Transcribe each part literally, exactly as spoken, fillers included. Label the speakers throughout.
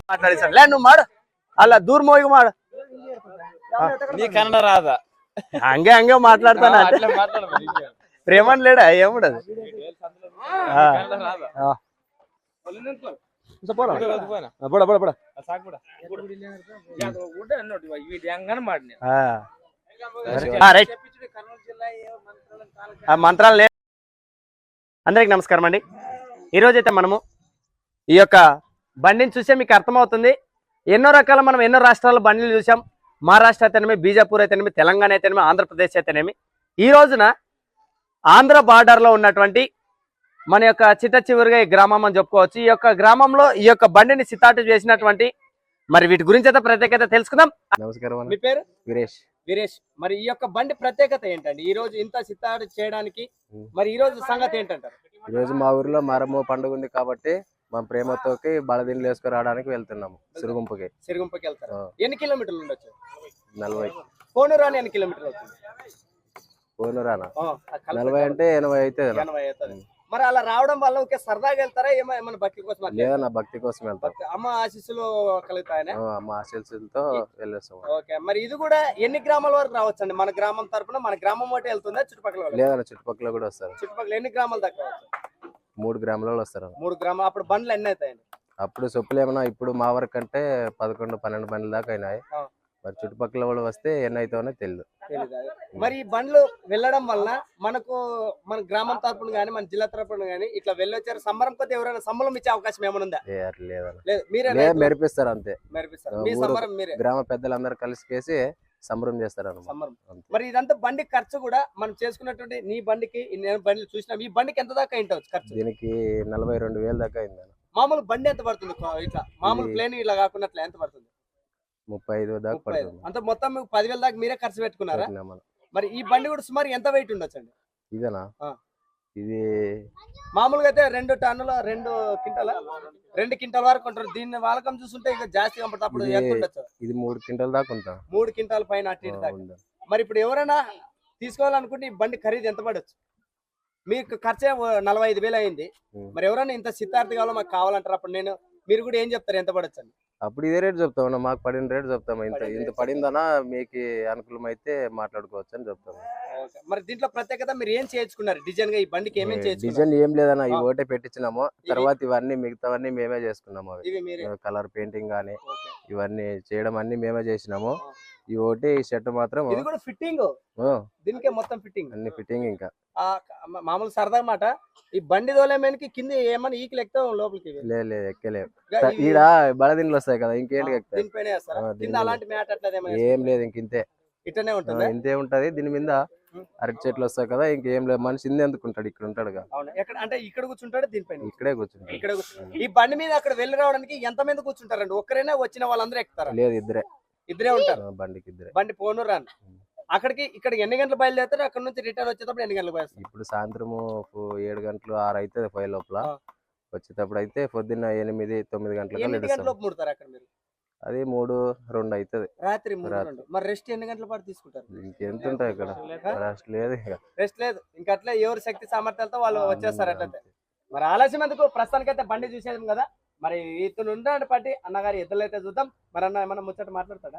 Speaker 1: ಮಾತಾಡಿಸಲ್ಲ ಲೇ నువ్వు ಮಾಡು ಅಲ್ಲ ದೂರ ಹೋಗಿ ಮಾಡು
Speaker 2: ನೀ ಕನ್ನಡ ರಾದ
Speaker 1: ಹಂಗೆ ಹಂಗೆ ಮಾತಾಡ್ತಾನ ಪ್ರೇಮನ್ లేడా ఏముండదు మంత్రాలు. అందరికి నమస్కారం అండి. ఈరోజైతే మనము ఈ యొక్క బండిని చూసే మీకు అర్థమవుతుంది. ఎన్నో రకాల మనం ఎన్నో రాష్ట్రాల బండిలు చూసాం. మహారాష్ట్ర అయితేనేమి, బీజాపూర్ అయితేనేమి, తెలంగాణ అయితేనేమి, ఆంధ్రప్రదేశ్ అయితేనేమి. ఈ రోజున ఆంధ్ర బార్డర్లో ఉన్నటువంటి మన యొక్క చిట్ట చివరిగా ఈ గ్రామం అని చెప్పుకోవచ్చు. ఈ యొక్క గ్రామంలో ఈ యొక్క బండిని సితాటు చేసినటువంటి మరి వీటి గురించి అయితే ప్రత్యేకత తెలుసుకుందాం.
Speaker 3: నమస్కారం.
Speaker 1: మీ పేరు?
Speaker 3: వీరేష్.
Speaker 1: వీరేష్. మరి ఈ యొక్క బండి ప్రత్యేకత ఏంటండి? ఈ రోజు ఇంత సితాటు చేయడానికి మరి ఈ రోజు సంగతి ఏంటంటారు?
Speaker 3: ఈ రోజు మా ఊర్లో మారమ్మ పండుగ ఉంది కాబట్టి మా ప్రేమతోకి బలదిండ్లు వేసుకు రావడానికి వెళ్తున్నాము. సిరుగుంపుకి
Speaker 1: సిరుగుంపుకి వెళ్తారు. ఎన్ని కిలోమీటర్లు ఉండొచ్చు?
Speaker 3: నలభై.
Speaker 1: కోనూరాని ఎన్ని కిలోమీటర్లు అవుతుంది?
Speaker 3: కోనూరానా నలభై అంటే ఎనభై అయితే
Speaker 1: ఎనభై అవుతుంది. మరి అలా రావడం వల్ల ఒకే సరదాగా వెళ్తారా ఏమైనా భక్తి కోసం?
Speaker 3: లేదా నా భక్తి కోసం వెళ్తాను.
Speaker 1: అమ్మ ఆశీస్సులు కలుగుతాయని
Speaker 3: అమ్మ ఆశీస్సులతో వెళ్ళేస్తాం.
Speaker 1: ఓకే. మరి ఇది కూడా ఎన్ని గ్రామాల వరకు రావచ్చు అండి? మన గ్రామం తరపున మన గ్రామం ఒకటి వెళ్తుందా చుట్టుపక్కల?
Speaker 3: లేదా చుట్టుపక్కల కూడా వస్తారు.
Speaker 1: చుట్టుపక్కల ఎన్ని గ్రామాల దాకా రావచ్చు?
Speaker 3: మూడు గ్రామాల వస్తారు.
Speaker 1: మూడు గ్రామాలు. అప్పుడు బండ్లు ఎన్ని అవుతాయండి?
Speaker 3: అప్పుడు చెప్పులు ఏమన్నా ఇప్పుడు మా వరకు అంటే పదకొండు పన్నెండు బండ్ల దాకా అయినాయి. మరి చుట్టుపక్కల వాళ్ళు వస్తే ఎన్ని అవుతావో తెలియదు.
Speaker 1: మరి ఈ బండ్లు వెళ్ళడం వల్ల మనకు మన గ్రామం తరపున గానీ మన జిల్లా తరపున గానీ ఇట్లా వెళ్ళొచ్చారు సంబరం కొద్ది ఎవరైనా సంబరం ఇచ్చే అవకాశం ఏమైనా ఉందా?
Speaker 3: లేదా మెరిపిస్తారు అంతే.
Speaker 1: మెరిపిస్తారు.
Speaker 3: గ్రామ పెద్దలందరూ కలిసి సంబరం చేస్తారు.
Speaker 1: మరి ఇదంతా బండి ఖర్చు కూడా మనం చేసుకున్నటువంటి నీ బండికి నేను బండి చూసినా ఈ బండికి ఎంత దాకా అయింటవచ్చు ఖర్చు?
Speaker 3: దీనికి నలభై రెండు వేలు దాకా అయింది.
Speaker 1: మామూలు బండి ఎంత పడుతుంది? ఇట్లా మామూలు ప్లేన్ ఇలా కాకుండా ఎంత పడుతుంది?
Speaker 3: ముప్పై ఐదు దాకా పడుతుంది.
Speaker 1: అంత మొత్తం మీకు పదివేల దాకా మీరే ఖర్చు పెట్టుకున్నారా? మరి ఈ బండి కూడా సుమారు ఎంత వెయిట్ ఉండొచ్చు అండి?
Speaker 3: ఇదేనా? ఇది
Speaker 1: మామూలుగా అయితే రెండు టన్నుల రెండు క్వింటాల రెండు క్వింటాల వరకు ఉంటారు. దీన్ని వాలకం చూస్తుంటే ఇక జాస్తి కనపడుతుంది. అప్పుడు ఎంత ఉండొచ్చు?
Speaker 3: ఇది మూడు క్వింటాల దాకా ఉంటా.
Speaker 1: మూడు క్వింటాల పైన అటు ఇటు దాకా. మరి ఇప్పుడు ఎవరైనా తీసుకోవాలనుకుంటే ఈ బండి ఖరీదు ఎంత పడవచ్చు? మీకు ఖర్చే నలభై ఐదు వేలు అయింది. మరి ఎవరైనా ఇంత సిద్ధార్థి కావాలో మాకు కావాలంటారు. అప్పుడు నేను మీరు కూడా ఏం చెప్తారు? ఎంత పడచ్చు అని?
Speaker 3: అప్పుడు ఇదే రేట్ చెప్తామన్నా. మాకు పడిన రేట్ చెప్తాము. ఇంత ఇంత పడిందనా మీకు అనుకూలం అయితే మాట్లాడుకోవచ్చు అని చెప్తాము.
Speaker 1: మరి దీంట్లో ప్రత్యేకత మీరు ఏం చేయించుకున్నారు డిజైన్ గా? ఈ బండికి ఏమేం చేయించుకున్నారు?
Speaker 3: డిజైన్ ఏం లేదన్నా, ఈ ఒకటే పెట్టించినాము. తర్వాత ఇవన్నీ మిగతావన్నీ మేమే చేసుకున్నాము. కలర్ పెయింటింగ్ గానీ ఇవన్నీ చేయడం అన్ని మేమే చేసినాము. ఈ ఒకటి షర్ట్ మాత్రం
Speaker 1: ఫిట్టింగ్ దీనికే మొత్తం ఫిట్టింగ్
Speaker 3: అన్ని ఫిట్టింగ్. ఇంకా
Speaker 1: మామూలు సరదా మాట ఈ బండి దోలేమేనికి కింద ఏమన్నా ఈకలు ఎక్కుతాం లోపలికి?
Speaker 3: లేదు ఎక్కలేవు. ఈడ బలదిండ్లు వస్తాయి కదా, ఇంకేంటి
Speaker 1: అలాంటి మ్యాట్ అట్లా
Speaker 3: ఏం లేదు. ఇంక ఇంతే
Speaker 1: ఇట్లనే ఉంటుంది.
Speaker 3: ఇంతే ఉంటది. దీని మీద అరటి చెట్లు వస్తాయి కదా, ఇంకేం లేదు. మనిషి ఇందే ఎందుకుంటాడు? ఇక్కడ ఉంటాడు కదా.
Speaker 1: అంటే ఇక్కడ కూర్చుంటాడు, దీనిపైన
Speaker 3: ఇక్కడే కూర్చుంటాడు.
Speaker 1: ఇక్కడ ఈ బండి మీద అక్కడ వెళ్ళి రావడానికి ఎంత మంది కూర్చుంటారండి? ఒక్కరైనా వచ్చిన వాళ్ళందరూ ఎక్కుతారా?
Speaker 3: లేదు, ఇద్దరే
Speaker 1: ఇద్దరే ఉంటారు
Speaker 3: బండికి. ఇద్దరే.
Speaker 1: బండి పోను రాను. అక్కడికి ఇక్కడ ఎన్ని గంటలు బయలుదేరుతారు? అక్కడ నుంచి రిటర్న్ వచ్చేటప్పుడు ఎన్ని గంటలు బయలుదేరుతారు?
Speaker 3: ఇప్పుడు సాయంత్రము ఏడు గంటలు ఆరు అయితే పోయే లోపల. వచ్చేటప్పుడు అయితే పొద్దున్న ఎనిమిది తొమ్మిది గంటలకు
Speaker 1: ముడతారు అక్కడ మీరు?
Speaker 3: అది మూడు రెండు అవుతుంది
Speaker 1: రాత్రి. మరి రెస్ట్ ఎన్ని గంటల పాటు తీసుకుంటారు?
Speaker 3: ఇంకెంత ఉంటాయి ఇక్కడ? రెస్ట్ లేదు.
Speaker 1: రెస్ట్ లేదు. ఇంకా అట్లా ఎవరు శక్తి సామర్థ్యాలతో వాళ్ళు వచ్చేస్తారు అట్లయితే. మరి ఆలస్యం ఎందుకు? ప్రస్తుతానికైతే బండి చూసేది కదా. మరి ఇతను ఉండే పట్టి అన్నగారి ఎద్దులు అయితే చూద్దాం. మరి అన్న ఏమన్నా ముచ్చట మాట్లాడతాడా?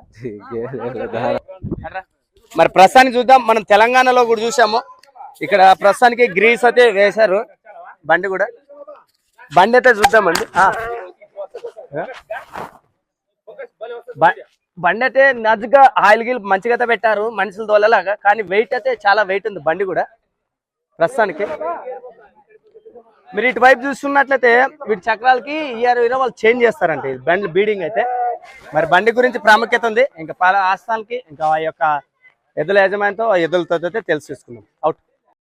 Speaker 1: మరి ప్రస్తుతానికి చూద్దాం. మనం తెలంగాణలో కూడా చూసాము. ఇక్కడ ప్రస్తుతానికి గ్రీస్ అయితే వేశారు బండి కూడా. బండి అయితే చూద్దామండి. బండి అయితే నజ్గా ఆయిల్ గిల్ మంచిగా అయితే పెట్టారు మనుషులు తోలేలాగా. కానీ వెయిట్ అయితే చాలా వెయిట్ ఉంది బండి కూడా ప్రస్తుతానికి. మీరు ఇటువైపు చూస్తున్నట్లయితే వీటి చక్రాలకి ఇయర్ ఇయర్ వాళ్ళు చేంజ్ చేస్తారంట ఈ బండి బీడింగ్ అయితే. మరి బండి గురించి ప్రాముఖ్యత ఉంది. ఇంకా పాల ఆస్థానాలకి ఇంకా ఆ యొక్క ఎద్దుల యజమానితో ఎద్దులతో అయితే తెలిసి తీసుకున్నాం. అవుట్.